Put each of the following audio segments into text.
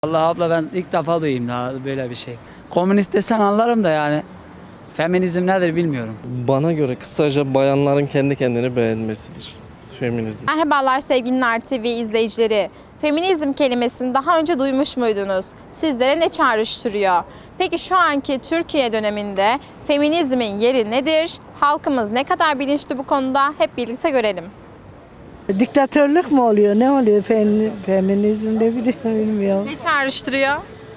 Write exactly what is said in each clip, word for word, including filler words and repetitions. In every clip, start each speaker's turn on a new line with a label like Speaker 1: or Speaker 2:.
Speaker 1: Allah abla ben ilk defa duyayım daha böyle bir şey. Komünist desen anlarım da yani feminizm nedir bilmiyorum.
Speaker 2: Bana göre kısaca bayanların kendi kendini beğenmesidir feminizm.
Speaker 3: Merhabalar sevgili Nar T V izleyicileri. Feminizm kelimesini daha önce duymuş muydunuz? Sizlere ne çağrıştırıyor? Peki şu anki Türkiye döneminde feminizmin yeri nedir? Halkımız ne kadar bilinçli bu konuda? Hep birlikte görelim.
Speaker 4: Diktatörlük mü oluyor? Ne oluyor? Fem, feminizm ne bileyim bilmiyorum.
Speaker 3: Ne çağrıştırıyor?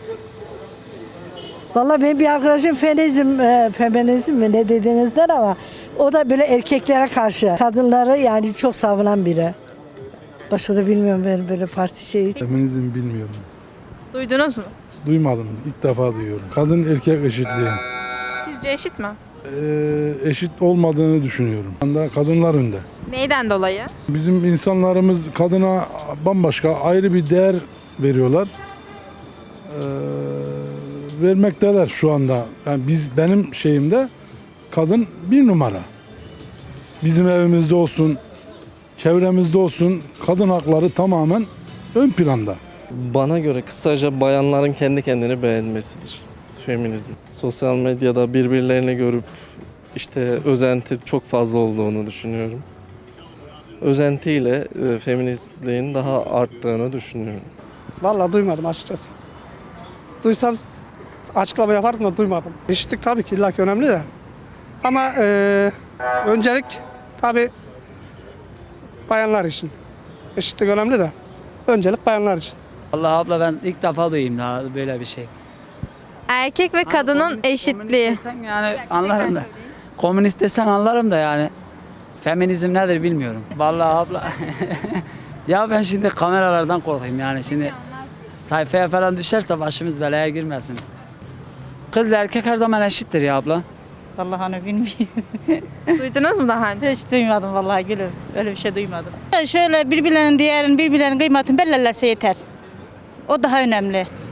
Speaker 4: Vallahi benim bir arkadaşım feminizm, e, feminizm mi ne dediğinizden ama o da böyle erkeklere karşı. Kadınları yani çok savunan biri. Başka da bilmiyorum ben böyle parti şeyi.
Speaker 5: Feminizm bilmiyorum.
Speaker 3: Duydunuz mu?
Speaker 5: Duymadım. İlk defa duyuyorum. Kadın erkek eşitliği.
Speaker 3: Sizce eşit mi?
Speaker 5: Ee, eşit olmadığını düşünüyorum. Anda kadınlar önde.
Speaker 3: Neyden dolayı?
Speaker 5: Bizim insanlarımız kadına bambaşka ayrı bir değer veriyorlar. Ee, vermekteler şu anda. Yani biz benim şeyimde kadın bir numara. Bizim evimizde olsun, çevremizde olsun kadın hakları tamamen ön planda.
Speaker 2: Bana göre kısaca bayanların kendi kendini beğenmesidir feminizm. Sosyal medyada birbirlerini görüp işte özenti çok fazla olduğunu düşünüyorum. Özentiyle e, feministliğin daha arttığını düşünüyorum.
Speaker 6: Vallahi duymadım açıkçası. Duysam açıklama yapardım da duymadım. Eşitlik tabii ki illaki önemli de. Ama eee, öncelik tabii bayanlar için. Eşitlik önemli de öncelik bayanlar için.
Speaker 1: Allah abla ben ilk defa duyayım daha böyle bir şey.
Speaker 3: Erkek ve kadının
Speaker 1: Komünist-
Speaker 3: eşitliği.
Speaker 1: Komünist desen yani anlarım da. Komünist desen anlarım da yani feminizm nedir bilmiyorum. Vallahi abla ya ben şimdi kameralardan korkayım yani şimdi sayfaya falan düşerse başımız belaya girmesin. Kız ile erkek her zaman eşittir ya abla.
Speaker 7: Vallahi hani bilmiyorum.
Speaker 3: Duydunuz mu daha önce?
Speaker 7: Hiç duymadım vallahi gülüm. Öyle bir şey duymadım. Şöyle birbirlerinin değerini, birbirlerinin kıymetini belirlerse yeter. O daha önemli.